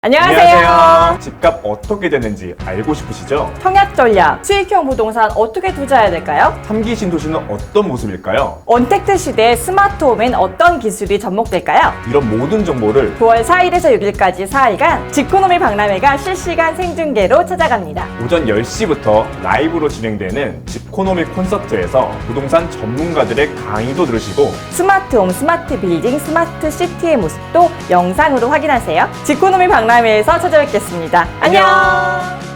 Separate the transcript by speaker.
Speaker 1: 안녕하세요.
Speaker 2: 집값 어떻게 되는지 알고 싶으시죠?
Speaker 1: 청약 전략, 수익형 부동산 어떻게 투자해야 될까요?
Speaker 2: 3기 신도시는 어떤 모습일까요?
Speaker 1: 언택트 시대의 스마트홈엔 어떤 기술이 접목될까요?
Speaker 2: 이런 모든 정보를
Speaker 1: 9월 4일에서 6일까지 4일간 집코노미 박람회가 실시간 생중계로 찾아갑니다.
Speaker 2: 오전 10시부터 라이브로 진행되는 집코노미 콘서트에서 부동산 전문가들의 강의도 들으시고
Speaker 1: 스마트홈, 스마트 빌딩, 스마트 시티의 모습도 영상으로 확인하세요. 집코노미 박람회에서 찾아뵙겠습니다. 안녕!